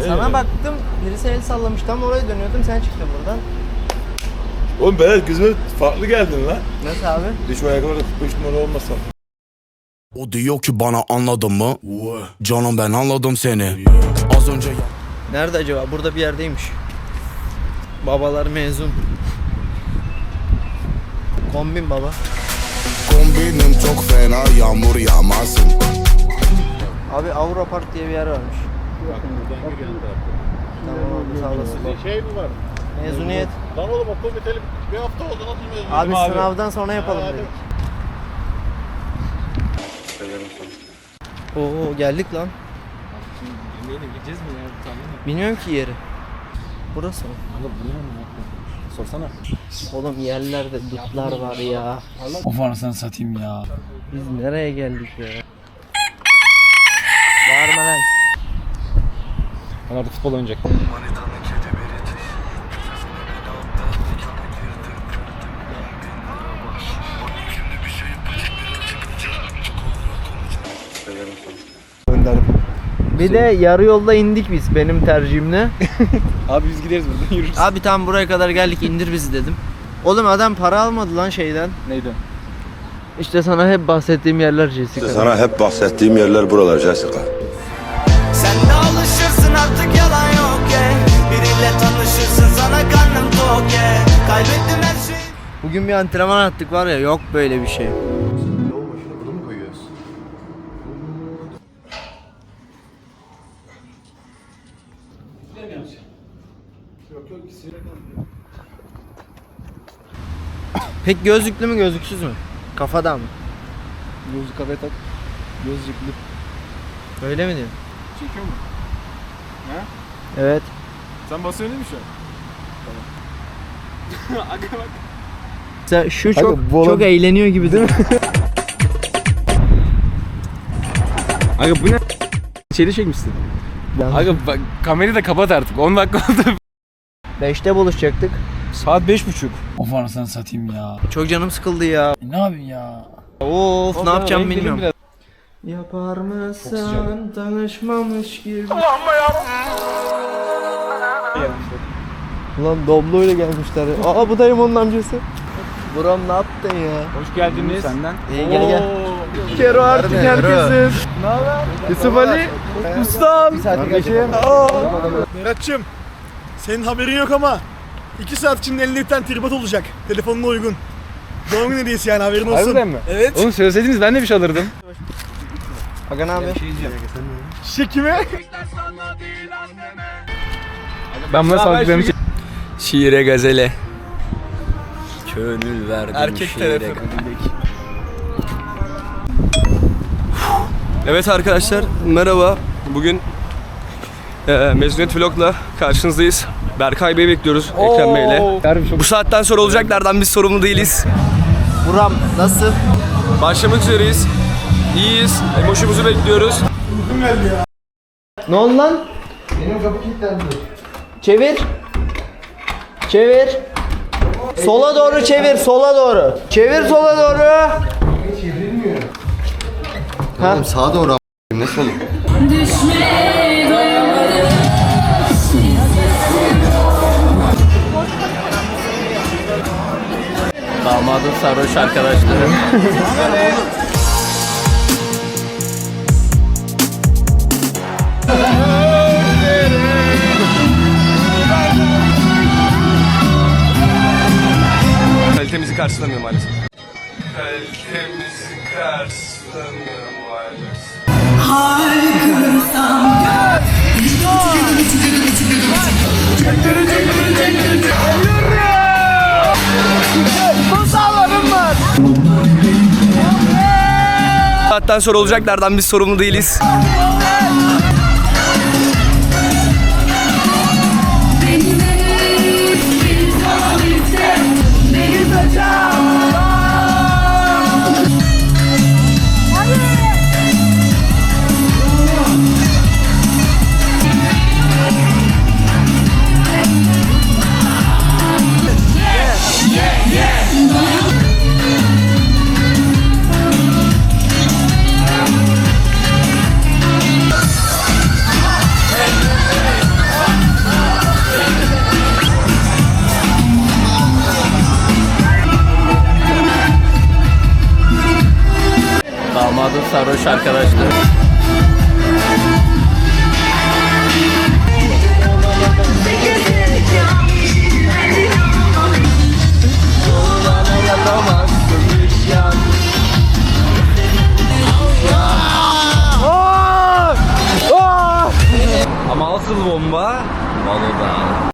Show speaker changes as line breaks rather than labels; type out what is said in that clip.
Sana baktım, birisi el sallamış, tam oraya dönüyordum, sen çıktın buradan.
Oğlum Berat gözüme farklı geldin lan.
Nasıl abi?
Düşme ayakkabıda 45 numara olmasa.
O diyor ki bana anladın mı? Canım ben anladım seni. Az önce...
Nerede acaba? Burada bir yerdeymiş. Babalar mezun. Kombin baba.
Kombinim çok fena, yağmur yağmasın.
Abi Avrupa Park diye bir yer varmış.
Buradan gir yan tarafta.
Tamam abi, sağ olasın.
Şey mi var?
Mezuniyet.
Lan oğlum okul biteli bir hafta oldu, nasıl mezuniyet?
Abi sınavdan sonra yapalım dedik. Oo geldik lan.
Gideceğiz mi ya? Tamam.
Bilmiyorum ki yeri. Burası mı?
Oğlum bu ne lan? Sorsana.
Oğlum yerlerde dutlar var ya.
Of anasını satayım ya.
Biz nereye geldik ya? Bağırma lan.
Ben artık futbol oynayacak.
Bir de yarı yolda indik biz benim tercihimle.
Abi biz gideriz buradan yürürüz.
Abi tam buraya kadar geldik, indir bizi dedim. Oğlum adam para almadı lan şeyden.
Neydi?
İşte sana hep bahsettiğim yerler Jessica.
Sana hep bahsettiğim yerler buralar Jessica.
Sen de alışırsın artık, yalan yok yeah. Biriyle tanışırsın, sana karnım tok yeah. Kaybettim her şeyi.
Bugün bir antrenman attık var ya, yok böyle bir şey. Pek gözlüklü mü gözlüksüz mü? Kafadan mı?
Gözlük kafaya tak. Gözlüklü.
Öyle mi diyorsun?
Çekiyor mu?
Evet.
Sen basıyorsun değil mi şu an? Tamam. Aga bak.
Sen şu
Aga,
çok
bu
çok
olan-
eğleniyor gibi değil mi?
Aga bu ne? İçeri çekmişsin. Aga bak kamerayı da kapat artık. 10 dakika oldu.
5'te buluşacaktık.
Saat 5:30. Of anasını satayım ya.
Çok canım sıkıldı ya.
Ne yapayım ya?
Of ne yapacağım bilmiyorum.
Biraz.
Yapar mısın tanışmamış gibi. Ulan Doblo ile gelmişler ya. Aa bu dayım onun amcası. Buram ne yaptın ya?
Hoş geldiniz. Senden.
İyi gel gel. Kero artık herkesin. Ne haber? Yusuf Ali. Ustam.
Kardeşim.
Berat'cığım, senin haberin yok ama 2 saat içinde elinde bir tane tripod olacak. Telefonuna uygun. Doğum günü hediyesi yani, haberin olsun.
Harbiden mi?
Evet.
Oğlum söyleseydiniz ben de bir şey alırdım.
Aga ne haber?
Şişe kime?
Ben buna sağlıklarını
Şiire gazele. Gönül verdim
Erkek
şiire
tarafı.
Evet arkadaşlar merhaba. Bugün mezuniyet vlogla karşınızdayız. Berkay Bey'i bekliyoruz Ekrem Bey'le. Bu saatten sonra olacaklardan biz sorumlu değiliz.
Buram nasıl?
Başlamak üzereyiz. İyiyiz. Emoşumuzu bekliyoruz.
Ne oldu lan? Benim kapı kilitlendi. Çevir. Çevir. Sola doğru çevir, sola doğru. Çevir sola doğru. Çevirmiyor. Ha?
Oğlum sağa doğru nasıl olur?
Damadın sarhoş arkadaşları. Kalitemizi karşılamıyor maalesef. Kalitemizi karşılamıyor maalesef. Saatten sonra olacaklardan biz sorumlu değiliz.
sarhoş arkadaşlar. Ama asıl bomba Balo'da.